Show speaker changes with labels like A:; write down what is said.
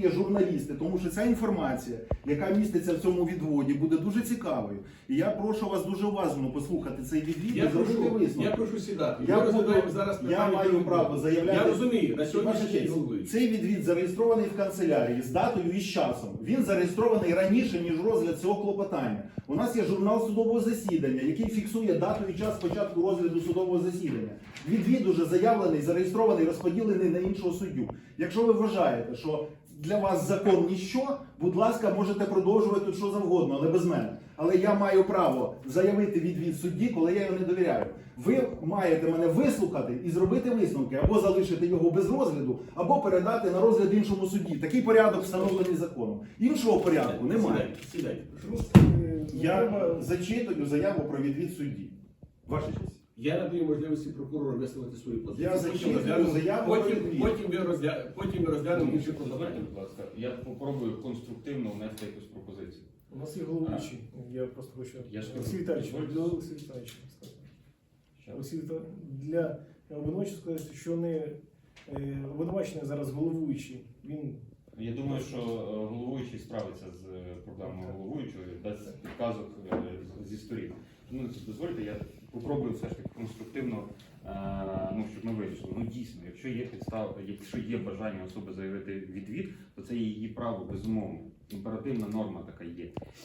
A: є журналісти, тому що ця інформація, яка міститься в цьому відводі, буде дуже цікавою. І я прошу вас дуже уважно послухати цей відвід і зробити висновок.
B: Я прошу сідати.
A: Я маю право заявляти.
B: Я розумію, на сьогоднішній день головуючий.
A: Цей відвід зареєстрований в канцелярії з датою і з часом. Він зареєстрований раніше, ніж розгляд цього клопотання. У нас є журнал судового засідання, який фіксує дату і час початку розгляду судового засідання. Відвід уже заявлений, зареєстрований, розподілений на іншого суддю. Якщо ви вважаєте, що для вас закон ніщо, будь ласка, можете продовжувати тут що завгодно, але без мене. Але я маю право заявити відвід судді, коли я його не довіряю. Ви маєте мене вислухати і зробити висновки, або залишити його без розгляду, або передати на розгляд іншому судді. Такий порядок встановлений законом. Іншого порядку немає.
B: Сідайте, прошу.
A: Я зачитую заяву про відвід судді. Ваша честь.
B: Я надаю можливості прокурору висловити свою позицію.
A: Я зачитую заяву про відвід.
B: Потім ми розглянемо інші
C: Давайте,
B: клопотання.
C: будь ласка, я попробую конструктивно внести якусь пропозицію.
D: У нас є головуючий. Я просто хочу.
C: Я ж
D: Олексій Віталійович,
C: дозвольте.
D: для Олексія Віталійовича сказати.
C: Що?
D: Олексій Віталійович, для обвинувачення сказати, що не обвинувачений зараз головуючий. Він
C: Я думаю, що головуючий справиться з проблемою головуючого, дасть підказок зі сторін. Ну, дозвольте, я попробую все ж таки конструктивно, щоб ми вирішили. Ну, дійсно, якщо є підстава, якщо є бажання особи заявити відвід, то це є її право, безумовно. Імперативна норма така є.